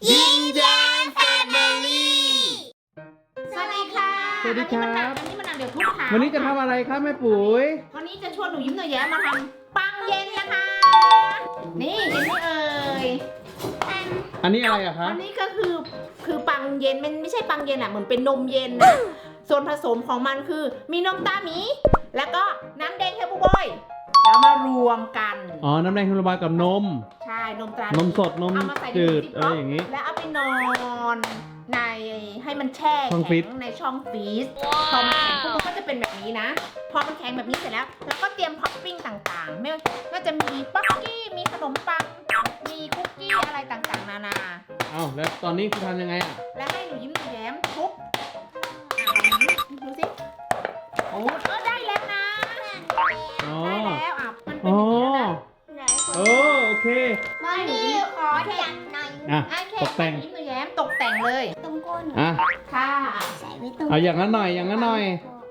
ยิ้มแย้มแฟมิลี่สวัสดีค่ะสวัสดีครับอันนี้มันเดี๋ยวทุกค่ะวันนี้จะทำอะไรครับแม่ปุ๋ยวันนี้จะชวนหนูยิ้มหนูแย้มมาทำปังเย็นนะคะ นี่เห็นไหมเอ่ยอันนี้อะไรอะคะอันนี้ก็คือปังเย็นมันไม่ใช่ปังเย็นอะเหมือนเป็นนมเย็นนะส่วนผสมของมันคือมีนมตาหมี แล้วก็น้ำแดงเฮลบูบอยแล้วมารวมกันอ๋อ น้ำแดงธัญบากับนมใช่นมตรานมสด นมเอามาใส่ในจืดซิปอะไรล็อกอย่างนี้แล้วเอาไปนอนในให้มันแช่ช่องฟรีแข็ซงในช่องฟรีซพอมันแข็งปุ๊บมันก็จะเป็นแบบนี้นะ พอมันแข็งแบบนี้เสร็จแล้วเราก็เตรียมท็อปปิ้งต่างๆไม่ว่าก็จะมีป๊อกกี้มีขนมปังมีคุกกี้อะไรต่างๆนานาเอ้าแล้วตอนนี้คุณทำยังไงอะและให้หนูยิ้มหนูแย้มทุบดูสิโอ้ได้แล้วนะอ๋อได้แล้วอ่ะมันเป็นอย่างนี้แล้วนะโอ้โอเคมาดิขอจับหน่อยอ่ะโอเคตกแต่งยิ้มหนูแย้มตกแต่งเลยตรงก้นอ่ะค่ะใส่ไว้ตรงเอาอย่างนั้นหน่อย อย่างนั้นหน่อย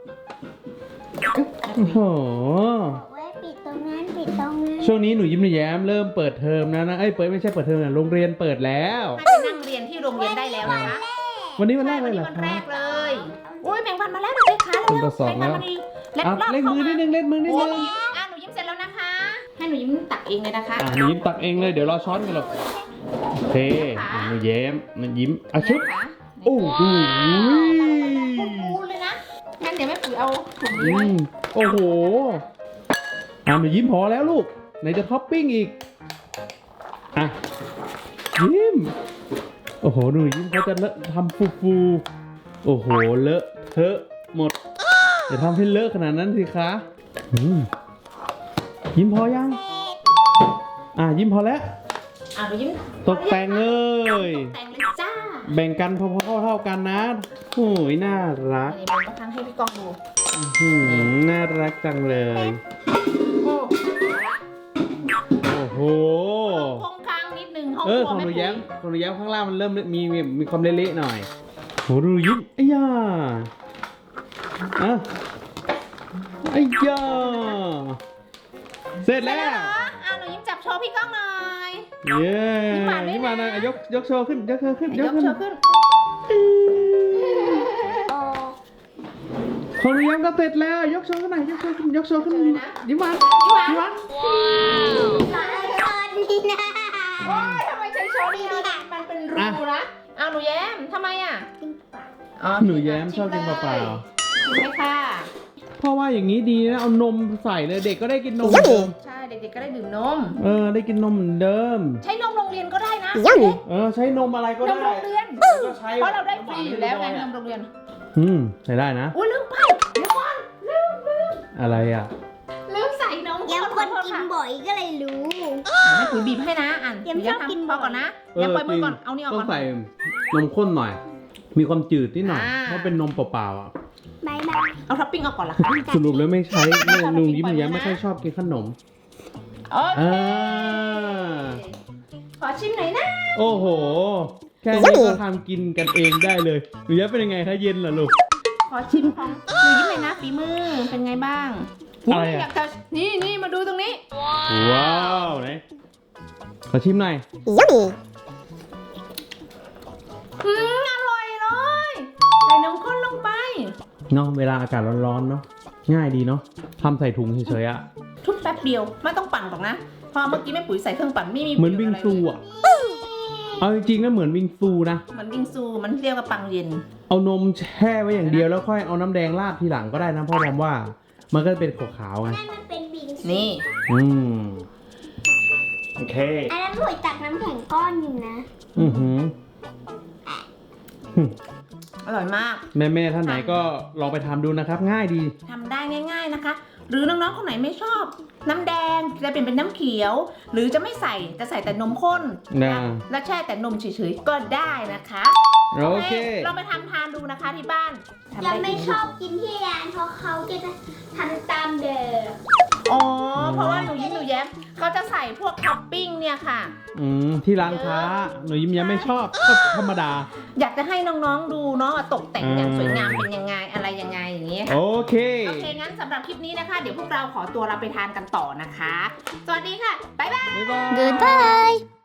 โอ้โหไว้ปิดตรงนั้นปิดตรงนั้นช่วงนี้หนูยิ้มหนูแย้มเริ่มเปิดเทอมแล้วนะ เอ้ย ไม่ใช่เปิดเทอมนะโรงเรียนเปิดแล้วให้ไปนั่งเรียนที่โรงเรียนได้แล้วนะคะวันนี้วันแรกเลยเหรอวันคะแรกเลยอุ้ยแบ่งวันมาแล้วเด็กๆคะคุณประสองแล้ว อ่ะเล่นมือนิดนึง เล่นมือนิดโอ้นึงยอ่ะหนูยิ้มเสร็จแล้วนะคะ ให้หนูยิ้มตักเองเลยนะคะอ่ะหนูยิ้มตักเองเลย เดี๋ยวรอช้อนกันหรอกโอเคอ่ะหนูแย้มหนูยิ้มอ่ะชุบ โอ้โหพูดเลยนะ งั้นเดี๋ยวแม่ปุ๋ยเอาถุงอืนี้ไว้มโอ้โหอ่ะหนูยิ้มพอแล้วลูกไหนจะท็อปปิ้งอีกอ่ะยิ้มโอ้โหหนูยิ้มเขาจะเลอะทำฟูๆโอ้โหเลอะเทอะหมดอย่าทำให้เลอะขนาดนั้นสิคะอืมยิ้มพอยังอ่ะยิ้มพอแล้วอ่ะหนูยิ้มตกแต่งเลยตกแต่งเลยจ้าแบ่งกันพอๆเท่ากันนะโอ้ยน่ารักนี่มันก็ทั้งให้พี่กองดูน่ารักจังเลยโอ้โอ้โหห้องข้างนิดนึงห้องเอคอรัวของหแม่นูปุ๋ยแย้มของหนูแย้มข้างล่างมันเริ่มมีความเละๆหน่อยโหดูยิ้มไอ้ย่าอ่ะไอ้ย่าเสร็จเสร็จแล้แล้ววเหรออ่ะหนูยิ้มจับโชว์พี่ก้องหน่อยเย้ยิ้มหวานด้วยนะยิ้มหวานหน่อยอ่ะยกโชว์ขึ้นยกโชว์ขึ้นยกโชว์ขึ้นโอ้ของหนูแย้มก็เสร็จแล้วยกโชว์ขึ้นหน่อยยกโชว์ขึ้นยกโชว์ขึ้นเลยนะยิ้มหวานยิ้มหวานยิ้มหวานตอนนี้นะโอ้ยทำไมใช้ช้อนนี้นะมันเป็นรูนะเอาหนูแย้มทำไมอ่ะอ๋อหนูแย้มชอบกินเปล่าชิมไหมค่ะๆเพราะว่าอย่างนี้ดีนะเอานมใส่เลยเด็กก็ได้กินนมเหมือนเดิมใช่เด็กๆก็ได้ดื่มนมได้กินนมเหมือนเดิมใช้นมโรงเรียนก็ได้นะใช้นมอะไรก็นได้มโรงเรียนก็ใช้เพราะเราได้ฟรีอยู่แล้วไงนมโรงเรียนใช้ได้นะอุ้ยลืมไปเดี๋ยวก่อนลืมอะไรอ่ะใส่นมยังคนขอโทษกินค่ะบ่อยก็เลยรู้แม่ปุ๋ยบีบให้นะอ่านยังชอบกินพอก่อนนะอย่าปล่อยมือก่อนเอานี่ออกต้อก่งอนใส่นมข้นหน่อย มีความจืดนิดหน่อยอ่าเพราะเป็นนมเปล่าๆอ่ะบายบายเอาท็อปปิ้งออกก่อนละค่ะสรุปแล้วไม่ใช้ไม่หนูยิ้มปล่อยมือนะแย้มไม่ค่อยชอบกินขนมโอเคอ่าขอชิมหน่อยนะโอ้โห แค่นี้ก็ทำกินกันเองได้เลยหนูแย้มเป็นยังไงคะเย็นเหรอลูกขอชิมของหนูยิ้มหน่อยนะฝีมือเป็นไงบ้างอะไรอะยากจะนี่มาดูตรงนี้ว้าวไหนขอชิมหน่อยอร่อยเลยใส่นมข้นลงไปเนาะเวลาอากาศร้อนๆเนาะง่ายดีเนาะทำใส่ถุงเฉยๆอ่ะทุบแป๊บเดียวไม่ต้องปั่นหรอกนะเพอเมื่อกี้แม่ปุ๋ยใส่เครื่องปั่นไม่มีเหมือนวิงซูประโยชน์อ่ะเอาจริงๆนะเหมือนวิงซูนะอะไรเลยเหมือนวิงซูมันเรียกว่าปังเย็นเอานมแช่ไว้อย่างเดียวแล้วค่อยเอาน้ำแดงราดทีหลังก็ได้นะเพราะผมว่ามันก็เป็นขาวๆไงนั่นมันเป็นบิงซูนี่อืมโอเคอันนั้นหน่วยตักน้ำแข็งก้อนอยู่นะอือหืออร่อยมากแม่ๆท่านไหนก็ลองไปทำดูนะครับ ง่ายดีทำได้ง่าย ๆนะคะ หรือน้องๆคนไหนไม่ชอบ น้ำแดงจะเปลี่ยนเป็นน้ำเขียว หรือจะไม่ใส่จะใส่แต่นมข้นนะแล้วแช่แต่นมเฉยๆก็ได้นะคะโอเคลองไปทำทานดูนะคะที่บ้านทำยังด้ไม่ดีชอบกินที่ร้านเพราะเขาจะทำตามเดิมอ๋อเพราะว่าหนูยิ้มหนูแย้มเขาจะใส่พวกท็อปปิ้งเนี่ยค่ะที่ร้านค้าหนูยิ้มยังไม่ชอบก็ธรรมดาอยากจะให้น้องๆดูเนาะตกแต่งอย่างสวยงามเป็นยังไงอะไรยังไงอย่างนี้ค่ะโอเคโอเคงั้นสำหรับคลิปนี้นะคะ เดี๋ยวพวกเราขอตัวเราไปทานกันต่อนะคะ สวัสดีค่ะบ๊ายบายบ๊ายบาย Goodbye